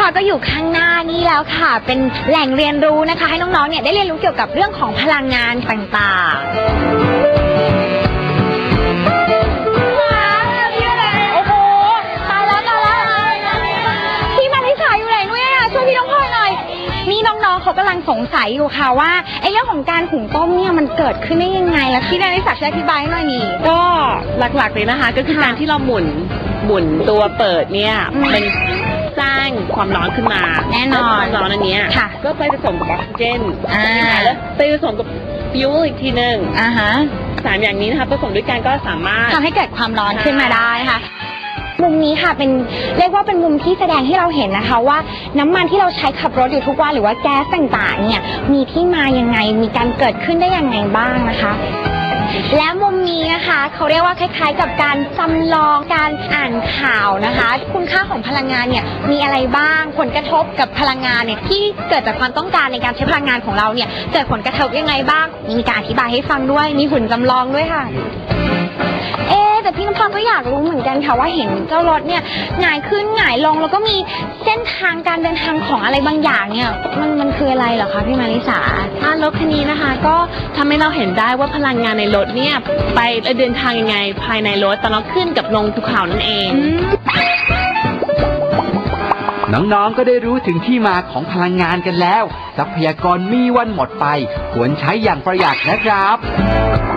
อยก็อยู่ข้างหน้านี่แล้วค่ะเป็นแหล่งเรียนรู้นะคะให้น้องๆเนี่ยได้เรียนรู้เกี่ยวกับเรื่องของพลังงานต่างๆโอ้โหตายแล้วพี่มาริสาอยู่ไหนนุ้ยช่วยพี่น้องพลอยหน่อยนี่น้องๆเขากำลังสงสัยอยู่ค่ะว่าไอ้เรื่องของการหุงต้มเนี่ยมันเกิดขึ้นได้ยังไงแล้วพี่มาริสาช่วยอธิบายหน่อยนี่ก็หลักๆเลยนะคะก็คือการที่เราหมุนตัวเปิดเนี่ยมันสร้างความร้อนขึ้นมาแน่นอนความร้อนอันนี้ก็ไปผสมกับออกซิเจนแล้วไปผสมกับฟิวอีกทีนึงสามอย่างนี้นะคะผสมด้วยกันก็สามารถทำให้เกิดความร้อนขึ้นมาได้ค่ะมุมนี้ค่ะเป็นเรียกว่าเป็นมุมที่แสดงให้เราเห็นนะคะว่าน้ำมันที่เราใช้ขับรถอยู่ทุกวันหรือว่าแก๊สต่างๆเนี่ยมีที่มายังไงมีการเกิดขึ้นได้ยังไงบ้างนะคะและมุมนี้นะคะเขาเรียกว่าคล้ายๆกับการจำลองการอ่านข่าวนะคะคุณค่าของพลังงานเนี่ยมีอะไรบ้างผลกระทบกับพลังงานเนี่ยที่เกิดจากความต้องการในการใช้พลังงานของเราเนี่ยเกิดผลกระทบยังไงบ้างมีการอธิบายให้ฟังด้วยมีหุ่นจำลองด้วยค่ะแต่พี่น้ำพรก็อยากรู้เหมือนกันค่ะว่าเห็นเจ้ารถเนี่ยหงายขึ้นหงายลงแล้วก็มีเส้นทางการเดินทางของอะไรบางอย่างเนี่ยมันคืออะไรเหรอคะพี่มาริสารถคันนี้นะคะก็ทำให้เราเห็นได้ว่าพลังงานในรถเนี่ยไปเดินทางยังไงภายในรถตอนเราขึ้นกับลงภูเขานั่นเองน้องๆก็ได้รู้ถึงที่มาของพลังงานกันแล้วทรัพยากรมีวันหมดไปควรใช้อย่างประหยัดนะครับ